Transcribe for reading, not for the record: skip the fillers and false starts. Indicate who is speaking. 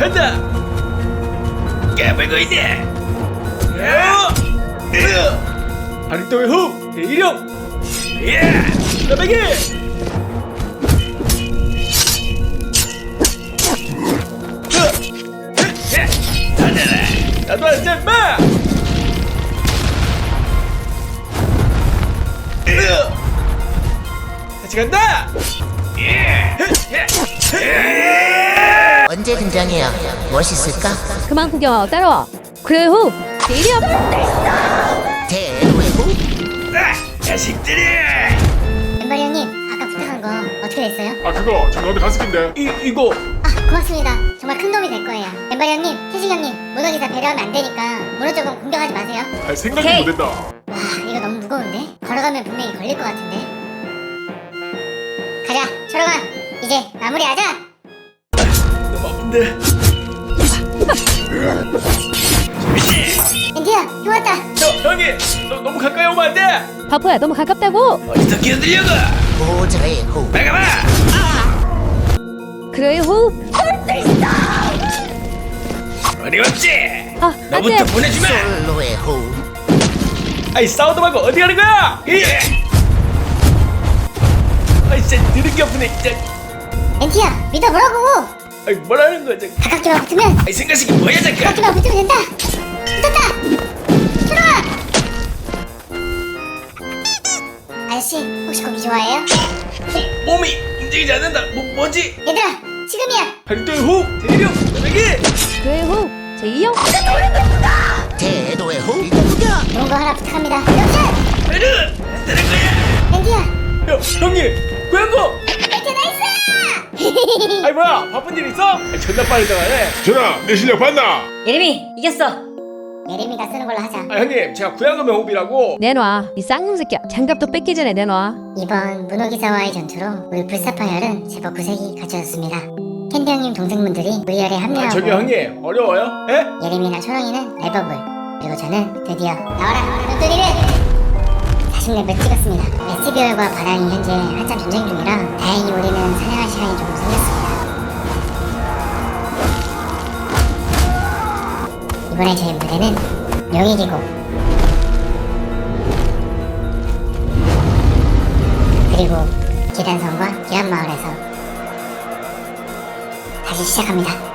Speaker 1: 간다. 깨물고 있네. 발도의 호흡 대일형. 나베기. 나도 앉아 임마. 같이 간다.
Speaker 2: 언제 등장해야 멋있을까?
Speaker 3: 그만 구경하고 따라와. 그래 후 대리업.
Speaker 2: 대노의 후?
Speaker 1: 자식들이.
Speaker 4: 멤버리 형님, 아까 부탁한 거 어떻게 됐어요?
Speaker 5: 아 그거 저 너한테 간식인데.
Speaker 1: 이거
Speaker 4: 아, 고맙습니다. 정말 큰 도움이 될 거예요. 멤버리 형님, 태식 형님, 문어기사 배려하면 안 되니까 문어 쪽은 공격하지 마세요.
Speaker 5: 아 생각도
Speaker 3: 오케이.
Speaker 5: 못했다.
Speaker 4: 와, 이거 너무 무거운데? 걸어가면 분명히 걸릴 것 같은데. 가자, 철호가 이제 마무리하자.
Speaker 1: 너무 아픈데.
Speaker 4: 엔디야, 형 왔다.
Speaker 1: 형님, 너 너무 가까이 오면 안 돼.
Speaker 3: 바보야 너무 가깝다고.
Speaker 1: 어디서 끼어들려고?
Speaker 2: 보좌의 후.
Speaker 1: 막아봐.
Speaker 3: 그래 후.
Speaker 1: 어림없지.
Speaker 3: 아
Speaker 1: 너부터
Speaker 3: 안돼.
Speaker 1: 보내주마.
Speaker 2: 솔로의 후.
Speaker 1: 아이 싸우도 말고 어디 가는 거야? 아이 진짜 느린 아프네 진짜.
Speaker 4: 엔디야, 믿어보라고.
Speaker 1: 아이 뭐라는 거야 저기.
Speaker 4: 가깝게만 붙으면,
Speaker 1: 아이 생각이 뭐야 잠깐.
Speaker 4: 가깝게만 붙으면 된다. 붙었다. 철호가. 아저씨, 혹시 고기 좋아해요?
Speaker 1: 몸이 움직이지 않는다. 뭐지?
Speaker 4: 얘들아, 지금이야.
Speaker 1: 발도의 호흡 대령 나에게.
Speaker 3: 그래 후 제2형.
Speaker 2: 대노의 후. 이거야.
Speaker 4: 좋은 거 하나 부탁합니다. 명찰.
Speaker 1: 베르 안 되는 거야.
Speaker 4: 엔디야.
Speaker 1: 형님 고양 거.
Speaker 4: 이렇게 나이스.
Speaker 1: 아이 뭐야 바쁜 일 있어? 아이, 존나 빠르다가네
Speaker 5: 전화 내 실력 봤나?
Speaker 3: 예림이 이겼어.
Speaker 4: 예림이가 쓰는 걸로 하자.
Speaker 1: 아 형님 제가 고양어 명호비라고.
Speaker 3: 내놔. 이 쌍놈 새끼야. 장갑도 뺏기 전에 내놔.
Speaker 4: 이번 문호기사와의 전투로 우리 불사파열은 제법 구색이 갖춰졌습니다. 캔디 형님 동생분들이 우리열에 합류하고
Speaker 1: 저기 형님 어려워요? 예?
Speaker 4: 예림이나 초롱이는 레버블, 그리고 저는 드디어 나와라 눈두리를 40렙을 찍었습니다. SBR과 바다이 현재 한참 전쟁 중이라 다행히 우리는 사냥할 시간이 조금 생겼습니다. 이번에 저희 무대는 용익이고 그리고 기단성과 기란마을에서 다시 시작합니다.